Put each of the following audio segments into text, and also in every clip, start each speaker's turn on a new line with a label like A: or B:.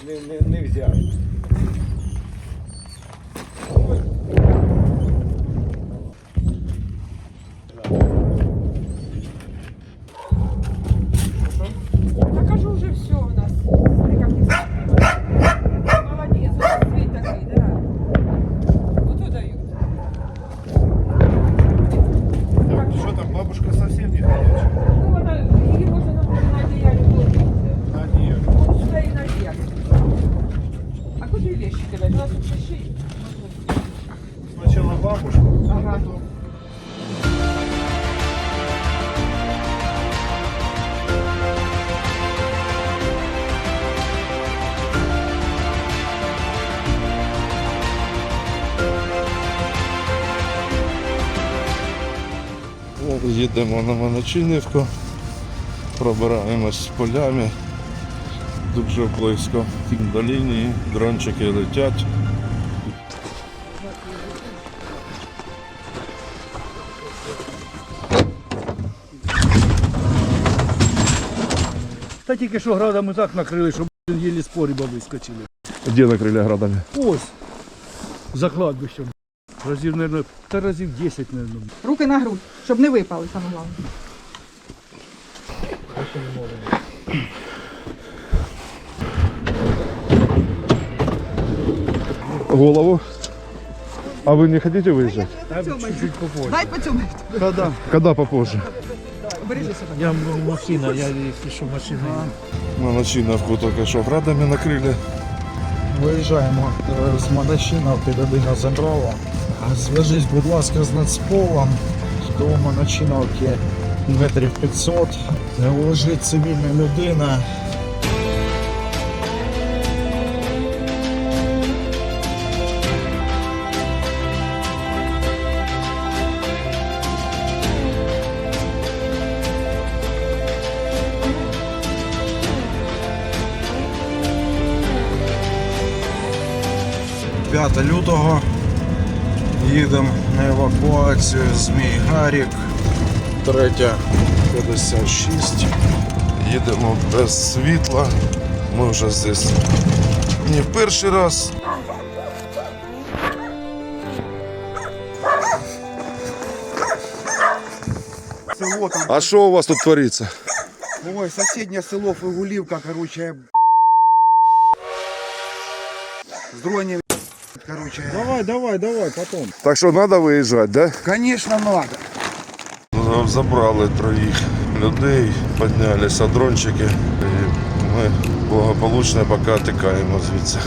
A: не взяли.
B: Я кажу, уже все у нас. Молодец, вот цвет такой, да. Вот и дают.
A: Что там, бабушка совсем не ходячая?
B: Ну, она, ее можно на одеяле положить.
A: На одеяле.
B: Вот сюда и наверх. А куда вещи кидать? У нас тут шиши.
A: Сначала бабушка,
B: Ага.
A: а потом...
C: Їдемо на Моночинівку, пробираємось полями, дуже близько до лінії, дрончики летять.
D: Та тільки що градами так накрили, що їлі з погреба вискочили.
C: Де накрили градами?
D: Ось, за кладбищем. Разів, мабуть, та разів 10, мабуть.
B: Руки на грудь, щоб не випали, саме головне.
C: Голову. А вы не хотите выезжать?
D: Чуть-чуть попозже.
B: Дай поцьомай.
D: Когда?
C: Когда попозже?
B: Бережи себе.
D: Я машина, я если что, машина.
C: Моночинівку тільки що градами накрили.
E: Виїжджаємо з Моночинівки до Дина Земрова. Зв'яжись, будь ласка, з Нацполом до Моночинівки метрів 500. Лежить цивільна людина. Лютого їдемо на евакуацію Змій Гарік, 3:56.
C: Їдемо без світла. Ми вже здесь не в перший раз.
A: Село там,
C: А що у вас тут твориться?
A: ой, соседнее село Фигулівка, короче, с дронами, короче.
E: Давай, потом.
C: Так що треба виїжджати, да?
A: Конечно, надо.
C: Забрали троїх людей, піднялися дрончики і ми благополучно поки тікаємо звідси.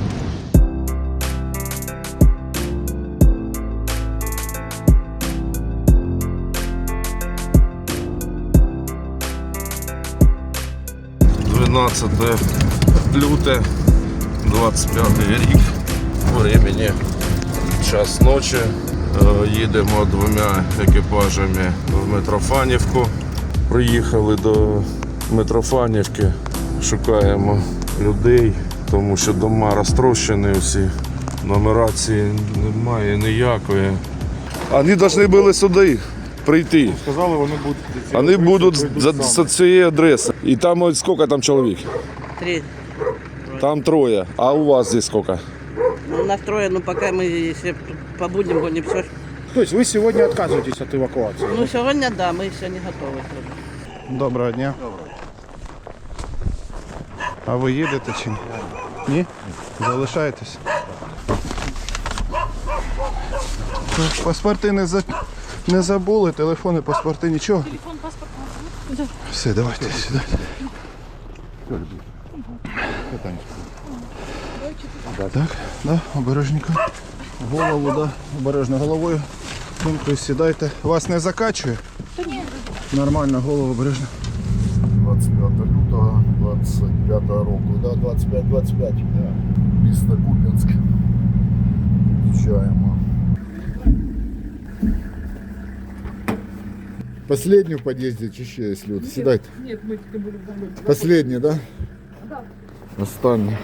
C: Люте, 25 рік, времени час ночі. Їдемо двома екіпажами в Митрофанівку. Приїхали до Митрофанівки, шукаємо людей, тому що дома розтрощені всі, нумерації немає ніякої. Вони повинні були сюди прийти.
A: Сказали,
C: Вони будуть з цієї адреси. І там ось скільки там чоловік?
F: 3.
C: Там 3. А у вас здесь сколько?
F: Ну, нас 3, но пока мы, если побудем, будем все.
E: То есть вы сегодня отказываетесь от эвакуации?
F: Ну, сегодня да, мы еще не готовы.
E: Доброго дня. А ви їдете чи ні? Ні? Залишаєтесь? Паспорти не забули, телефони, паспорти, нічого? Телефон, паспорт. Все, давайте сюди. Так, да, обережненько. Голову, да, обережно головою. Тобто сідайте. Вас не закачує? Нормально, голову обережно.
G: 25 лютого 25 року, да, 25-25, да. Місто Куп'янськ. Під'їжджаємо. Последний в під'їзді чи ще є люди? Сідайте.
B: Нет, мы тільки будемо домой.
G: Последний, да? Да. Останній.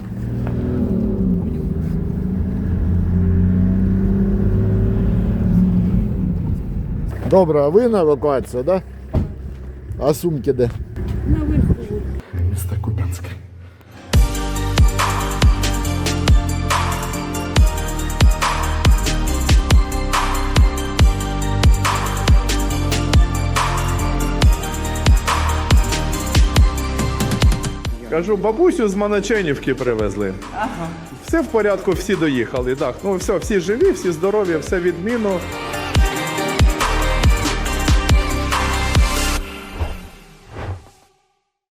G: Добре, а ви на евакуацію, да? А сумки де?
B: Наверху.
G: Місто Куп'янськ.
H: Кажу, бабусю з Маноченівки привезли.
B: Ага.
H: Все в порядку, всі доїхали. Так, ну все, всі живі, всі здорові, все відмінно.